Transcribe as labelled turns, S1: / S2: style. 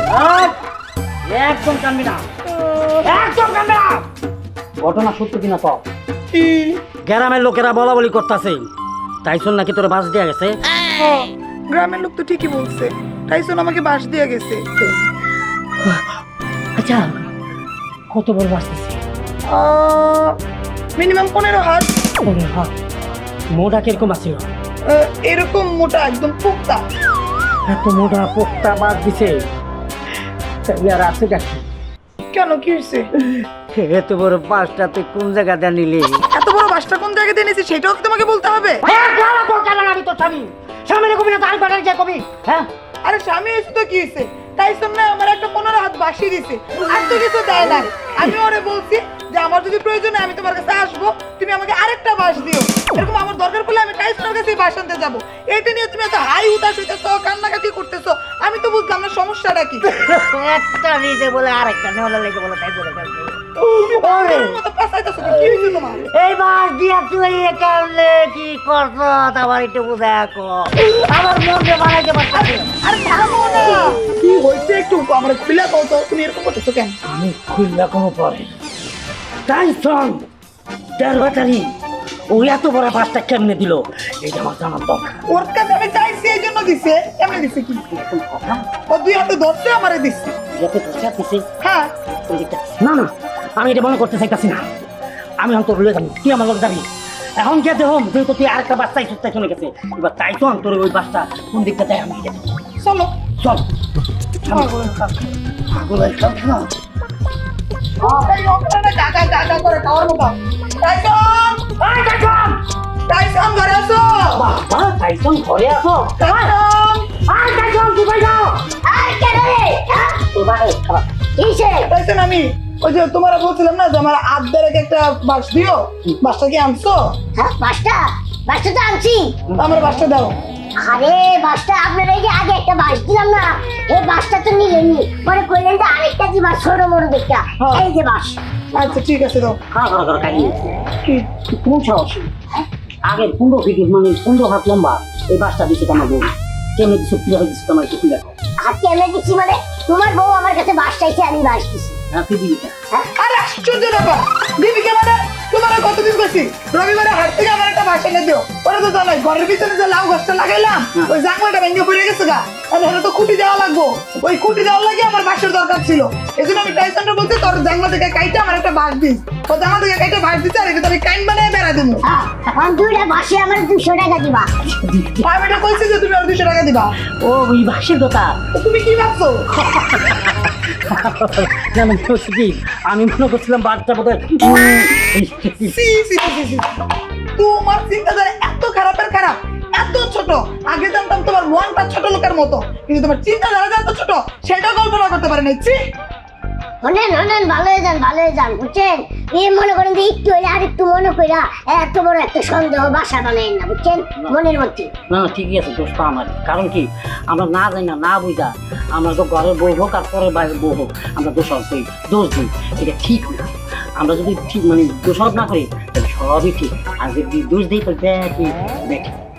S1: একদম কানবি না, একদম কানবি না। ঘটনা সত্য কিনা তো গ্রামের লোকেরা বলা বলি করতেছে টাইসন নাকি তোর বাস দেয়া গেছে।
S2: গ্রামের লোক তো ঠিকই বলছে, টাইসন আমাকে বাস দিয়ে গেছে।
S1: আচ্ছা কত বড় বাস দিছে?
S2: মিনিমাম 15 হাত।
S1: মোটা কিরকম আছিল?
S2: এরকম মোটা, একদম পোক্তা।
S1: এত মোটা পোক্তা বাস দিছে, তাহলে আর আছে কাকি?
S2: কেন, কি হয়েছে?
S1: এত বড় বাসটা তুই কোন জায়গাটা নিলি?
S2: এত বড় বাসটা কোন জায়গায় দিয়ে নিয়েছি সেটাও কি তোমাকে বলতে হবে?
S1: আমি তো স্বামী, স্বামীর কবি না তার বাড়ার যা কবি। হ্যাঁ
S2: আরে স্বামী এসে তো কি হয়েছে? টাইসন না আমার একটা 15 হাত বাসি দিছে, আর তো কিছু দেয় না। আমি ওরে বলছি যে আমার যদি প্রয়োজন হয় আমি তোমার কাছে আসবো, তুমি আমাকে আরেকটা বাস দিও। এরকম আমার দরকার পড়লে আমি টাইসনের কাছে বাস আনতে যাবো। এইটা নিয়ে তুমি এত হাই উতাস হইতেছো, কান্নাকাটি করতেছো, আমি তো বুঝলাম না সমস্যাটা কি।
S1: একটা নিজে বলে আরেকটা নেওয়ালে লেগে বলে তাই বলে
S2: তুমি পাগলের মতো পেঁচাইতেছো, কি হয়েছে তোমার?
S1: এই বাস দিয়া তুই একালে কি করছ আমার একটু বুঝায় রাখো। আমার মনকে বানাইতে পারছি।
S2: আরে থামো না, কি হয়েছে একটু আমার খুলে দাও তো, তুমি এরকম করতেছো কেন?
S1: আমি খুললা কোনো পরে টাইসন দেড় বাটারি ও এত বড় বাসটা কেমনে দিল এইটা আমার জানার দরকার।
S2: ওর কাছে আমি চাইছি এই জন্য দিছে। কেমনে দিছে কি?
S1: কথা
S2: ও 2 হাতে ধরছে আমারে দিছে।
S1: যাতে পয়সা দিছে।
S2: হ্যাঁ
S1: না না, আমি এটা মনে করতে চাইতাছি না। আমি এখন তোর লয়ে যাবি, তুই আমার লোক যাবি। এখন যেতে হোম যেহেতু তুই আরেকটা বাস চাইছিস চলে গেছে, এবার তাই তো তোর ওই বাসটা কোন দিকটা দেয় আমি দেখি।
S2: চলো
S1: চল
S2: পাগলের খাল।
S1: পাগলের খেল খেলা।
S2: এই লোকটা না গাগা গাগা করে খাওয়ার মতো। টাইসন!
S1: এই টাইসন!
S2: টাইসন ঘরে আসো!
S1: বাবা টাইসন ঘরে আসো।
S2: টাইসন!
S1: এই টাইসন তুই কই যাও?
S3: আর কেন রে? হ্যাঁ?
S1: তোর বাড়ি খারাপ।
S3: কিসে?
S2: টাইসন আমি ওই যে তোমার বলছিলাম না যে আমার আদ্দার একটা বাস দিও, বাসটা কি আনছো?
S3: হ্যাঁ, বাসটা তো আনছি।
S2: আমার বাসটা দাও।
S3: আরে বাসটা আপনারা এই যে আগে একটা বাস দিলাম না, এই বাসটা তো নিলেনি, পরে কইলেন যে আরেকটা দিবা ছোট বড় দেখটা।
S2: হ্যাঁ।
S3: এই যে বাস।
S2: আচ্ছা ঠিক আছে দাও।
S1: খাওয়া খাই
S2: কি?
S1: কোন সাহস? আগে 15 ফিট মানে 15 হাত লম্বা এই বাসটা দিচ্ছে আমার বউ। কেমন দিচ্ছে কিভাবে দিচ্ছে তোমার একটু খুলে রাখো।
S3: আর কেমনে দিচ্ছি মানে তোমার বউ আমার কাছে বাস চাইছে, আমি বাস দিছি।
S1: হ্যাঁ তুই দিবি না।
S2: আরে আশ্চর্য ব্যাপার, দিবি কে মানে? তোমার কতদিন গেছি রবিবারে হাট থেকে আমার একটা বাস এনে দিও। ওরা তো জানাই ঘরের পিছনে যে লাউ গাছটা লাগাইলাম ওই জাংলাটা ভেঙে পড়ে গেছে গা, আর এটা তো খুঁটি দেওয়া লাগবো। ওই খুঁটি দেওয়ার লাগে আমার বাসের দরকার ছিল, এই জন্য আমি টাইসনটা বলছি তোর জাংলা থেকে কাইটে আমার একটা বাস দিস। ও জাংলা থেকে কাইটে বাস দিচ্ছে আর এটা আমি কাইন বানিয়ে বেড়া দেবো।
S3: হ্যাঁ, এখন দুইটা বাসে আমার 200 টাকা দিবা।
S2: আমি এটা কইছি যে তুমি আর 200 টাকা দিবা।
S1: ও ওই বাসের কথা।
S2: তো তুমি কি ভাবছো?
S1: না মানে হচ্ছে কি আমি মনে করছিলাম বাসটা বোধ হয়
S2: সি, সি, সি, সি, সি। তোমার চিন্তাধারা এত খারাপের খারাপ, এত ছোট। আগে জানতাম তোমার মনটা ছোট লোকের মতো, কিন্তু তোমার চিন্তাধারা যে এত ছোট সেটা কল্পনা করতে পারি নাই।
S3: হনেন ভালো হয়ে যান বুঝছেন। এই মনে করেন যে একটু হইলে আর একটু মনে কইরা এত বড় একটা সন্দেহ বাসা বানাইন না, বুঝছেন, মনের মধ্যে।
S1: না না ঠিকই আছে দোষ তো আমার। কারণ কি আমরা না জানি না বুঝা আমরা তো ঘরের বউ হোক আর পরের বাইরের বউ হোক আমরা দোষারোপ করি, দোষ দিই, এটা ঠিক না। আমরা যদি ঠিক মানে দোষারোপ না করি তাহলে সবই ঠিক, আর যদি দোষ দিই তাহলে দেখি